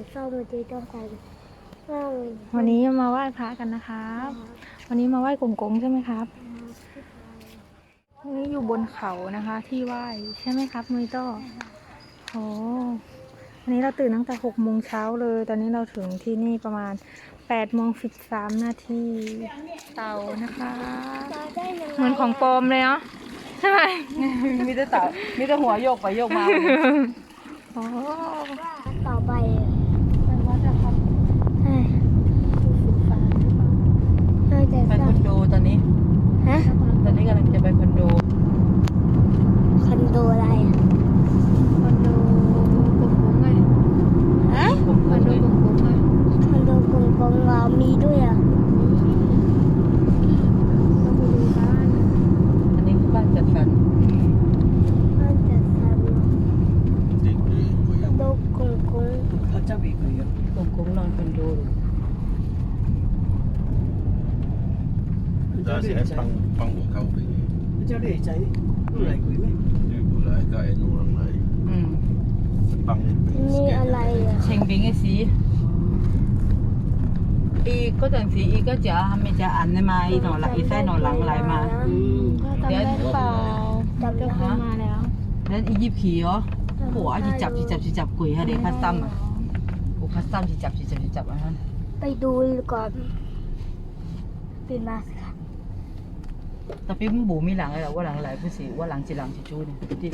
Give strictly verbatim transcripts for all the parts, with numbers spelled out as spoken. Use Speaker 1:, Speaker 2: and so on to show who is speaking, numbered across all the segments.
Speaker 1: เศร้ามือจีต้องการ
Speaker 2: วันนี้มาไหว้พระกันนะครับวันนี้มาไหว้กงกงใช่ไหมครับวันนี้อยู่บนเขานะคะ ที่ไหว้ใช่ไหมครับมุยโต้โอ้วันนี้เราตื่นตั้งแต่หกโมงเช้าเลย ตอนนี้เราถึงที่นี่ประมาณแปดโมงสิบสามนาทีเต่านะคะเหมือนของปลอมเลยเนาะใช่ไหม
Speaker 3: มีแต่เต่ามีแต่หัวโยกไปโยกมา
Speaker 2: โอ้
Speaker 1: ต่อไป
Speaker 2: ไปวัดนะครับใช่สุดฟ้าหรือเปล่า
Speaker 1: น่าจะ
Speaker 3: ไปคอนโดตอนนี้
Speaker 1: ฮะ
Speaker 3: ตอนนี้กำลังจะไปคอนโด
Speaker 1: คอนโดอะไร
Speaker 2: คอนโดกงกงไง
Speaker 1: ฮะ
Speaker 3: ผม
Speaker 2: คอนโดกงกงไง
Speaker 1: คอนโดกงกงเรามีด้วยอ่ะ
Speaker 2: ต้องไปดูบ้าน
Speaker 3: อันนี้คือบ้านจัดสรร
Speaker 1: น่าจะทัน
Speaker 4: Định đi
Speaker 1: คอนโดกงกง
Speaker 3: เขาจะบีบเลยผมคงนอนคอนโด
Speaker 4: ta sẽ băng băng một câu đi
Speaker 5: cho để cháy lại quý mấy
Speaker 4: đi của lại cái anh lần này
Speaker 3: อืม
Speaker 4: băng lên
Speaker 1: นี่อะไรอ่ะ
Speaker 3: เชงบิงไอ้สีอีก็จังสีอีก็จะทำไม่จะอันได้มาอีหนอละอีไส้หนอหลังไหลมา
Speaker 5: ừ
Speaker 2: จำได้หรือเปล่า
Speaker 1: จำได้
Speaker 2: เคยมาแล้ว
Speaker 3: แล้วอียิปต์ขี่เหรอหัวจีจับจีจับจีจับกุยฮะเด็กคัสตัมอ่ะโอ้คัสตัมจีจับจีจับจีจับอ่ะฮะ
Speaker 1: ไปดูก่อนปิดมาสิค่ะ
Speaker 3: tapi pun bumi lang lah, walang lai pun si, walang cilang cucu ni. Jadi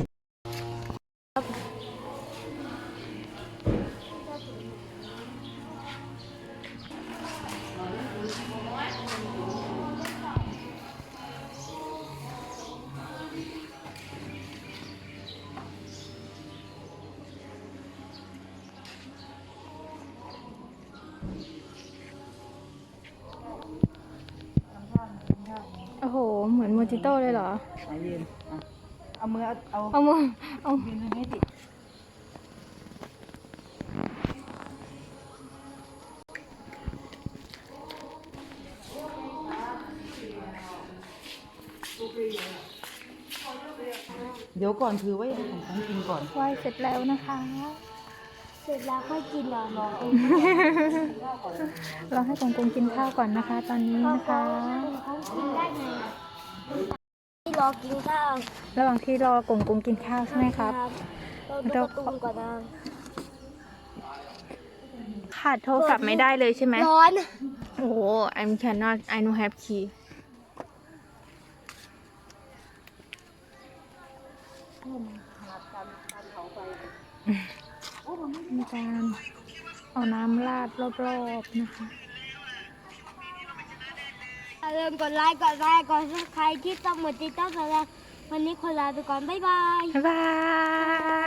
Speaker 2: โอ้โหเหมือนโมจิโต้เลยเหรอ
Speaker 3: เอายืนอ่ะเอามือเอา
Speaker 2: เอามือเอา
Speaker 3: ยืนให้ติด เดี๋ยวก่อนถือไว้ให้ผมของกินก่อน
Speaker 2: ไหว้เสร็จแล้วนะคะ
Speaker 1: เสร็จแล้วค่อยกินเหรอน้อง
Speaker 2: เราให้กงกงกินข้าวก่อนนะคะ ตอนนี้นะคะ
Speaker 1: เขากินได้ไงอ่ะที่รอกินข้าว
Speaker 2: ระหว่างที่รอกงกงกินข้าวใช่ไหมครับ
Speaker 1: เราดูการ์ตูนก่อนนะ
Speaker 2: ขาดโทรศัพท์ไม่ได้เลยใช่ไหม
Speaker 1: ร้อน
Speaker 2: โอ้โห I'm cannot I no have key มีการเอาน้ำราดรอบๆนะคะ
Speaker 1: อย่าลืมกดไลค์กดแชร์กดซับสไครต์ที่ต้องหมดติดต้องแสดงวันนี้คนลาไปก่อน บ๊ายบาย
Speaker 2: บ๊ายบาย